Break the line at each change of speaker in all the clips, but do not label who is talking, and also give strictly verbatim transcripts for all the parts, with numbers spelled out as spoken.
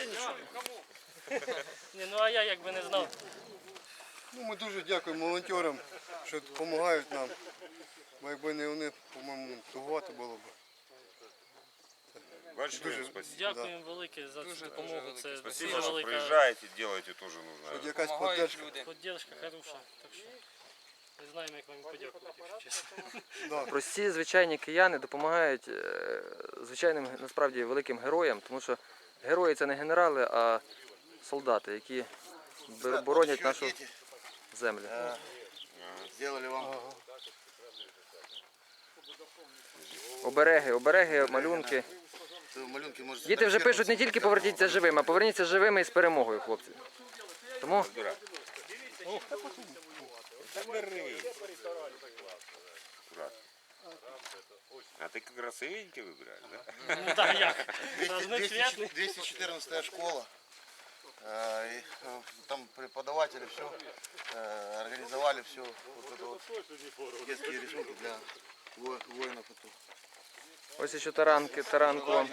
нічого.
Ні, ну а я якби не знав.
Ну, ми дуже дякуємо волонтерам, що допомагають нам. Бо якби не вони, по-моєму, тугувати було б.
Большое спасибо.
Дякуємо велике за цю допомогу. Це
Спасибо,
дуже
що
велика
приїжджаєте, робите теж нужно.
Хоч якась
Помагають
поддержка.
люди.
підтримка хороша. Так що не знаємо, як вам подякувати, якщо чесно.
Прості звичайні кияни допомагають е, звичайним насправді великим героям, тому що герої це не генерали, а солдати, які б- боронять нашу землю.
Сделали вам.
Обереги, обереги, малюнки.
Малюнки можете
Діти вже пишуть не тільки поверніться живими, а поверніться живими і з перемогою, хлопці. Тому
А ты красивенький выбираешь, да?
Ну так як? Разноцветний.
двести четырнадцатая школа. Э, и, э, Там преподаватели все организовали все. Вот это вот детские рисунки для во- воинов. Это.
ось ще таранки, таранку вам.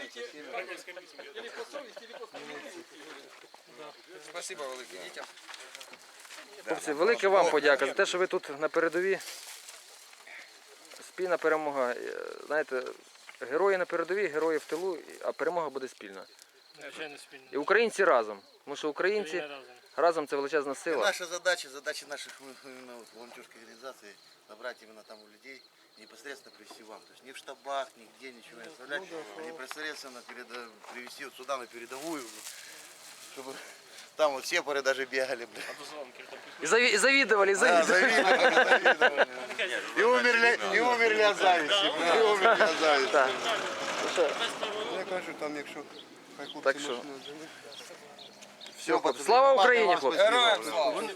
Спасибо велике дітям.
Хлопці, велике вам подяка за те, що ви тут на передовій. Спільна перемога. Е, Знаєте, герої на передовій, герої в тилу, а перемога буде спільна.
Звичайно, спільно.
І українці разом. Тому що українці
Україна разом.
разом це величезна
И
сила.
наша задача, задача наших именно вот волонтерской организации набрать именно там у людей и непосредственно привести вам. То есть не в штабах, нигде ничего не оставлять, а непосредственно переда- привести вот сюда на передовую, чтобы там вот сепары даже бегали, бля.
І заві- і завідували, і
Да,
завідували.
завидовали, завидовали. И умерли, и умерли от зависти, бля, и умерли от зависти.
Так.
Я кажу, там якщо хай хлопці
Так що?
машину відженуть.
Все, хлопці. Слава Україні, хлопці!
Героям слава!